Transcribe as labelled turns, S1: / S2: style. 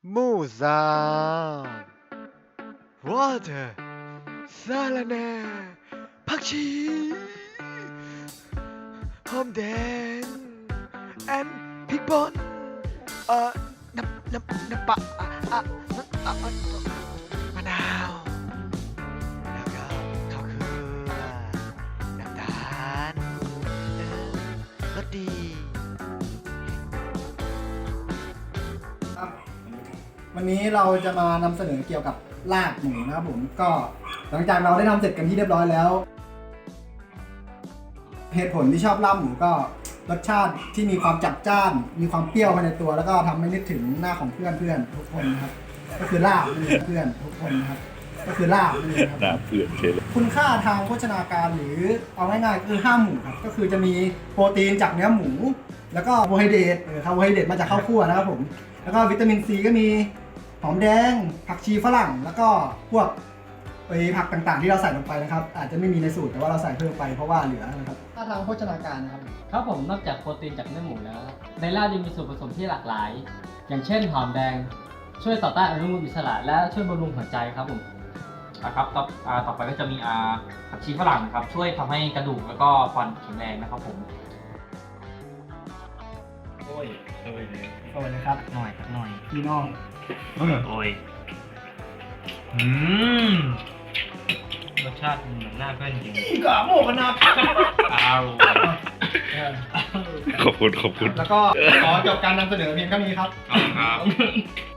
S1: หมูสามวอเตอร์สาลาแหน่ผักชีหอมแดงแอนพริกป่นน้ำปลามะนาวแล้วก็ข้าวเกลือน้ำตาลรสดี
S2: วันนี้เราจะมานำเสนอเกี่ยวกับลาบหมูนะครับผมก็หลังจากเราได้ทำเสร็จกันที่เรียบร้อยแล้ว เหตุผลที่ชอบลาบหมูก็รสชาติที่มีความจัดจ้านมีความเปรี้ยวภายในตัวแล้วก็ทำให้นึกถึงหน้าของเพื่อนทุกคนนะครับก็คือลาบนั่นเองเพื่อนทุกคนนะครับก็คือลาบนั่นเองครับ
S3: หน้าเพื่อนเฉยเลย
S2: คุณค่าทางโภชนาการหรือเอาง่ายๆคือ5หมู่ครับก็คือจะมีโปรตีนจากเนื้อหมู แล้วก็คาร์โบไฮเดรตคาร์โบไฮเดรตมาจากข้าวคั่วนะครับผมแล้วก็วิตามินซีก็มีหอมแดงผักชีฝรั่งแล้วก็พวกผักต่างๆที่เราใส่ลงไปนะครับอาจจะไม่มีในสูตรแต่ว่าเราใส่เพิ่มไปเพราะว่าเหลือนะครับค่าทางโภชนาการนะครับ
S4: ครับผมนอกจากโปรตีนจากเนื้อหมูแล้ว ในลาบยังมีส่วนผสมที่หลากหลาย อย่างเช่นหอมแดงช่วยต่อต้านอนุมูลอิสระและช่วยบำรุงหัวใจครับผม
S5: ครับต่อไปก็จะมีผักชีฝรั่งนะครับช่วยทำให้กระดูกแล้วก็ฟันแข็งแรงนะครับผม
S4: โอ้ย
S2: สวัสดีครับ
S5: หน่อย
S2: พี่น้อง
S5: โอ้ยรสชาติเหมือนหน้าเพื่อนจริง
S2: อีกาโมกันนะ
S5: อ้าว
S3: ขอบคุณ
S2: แล้วก็ขอจบการนำเสนอเพียงเท่านี้ครับ
S5: ครับ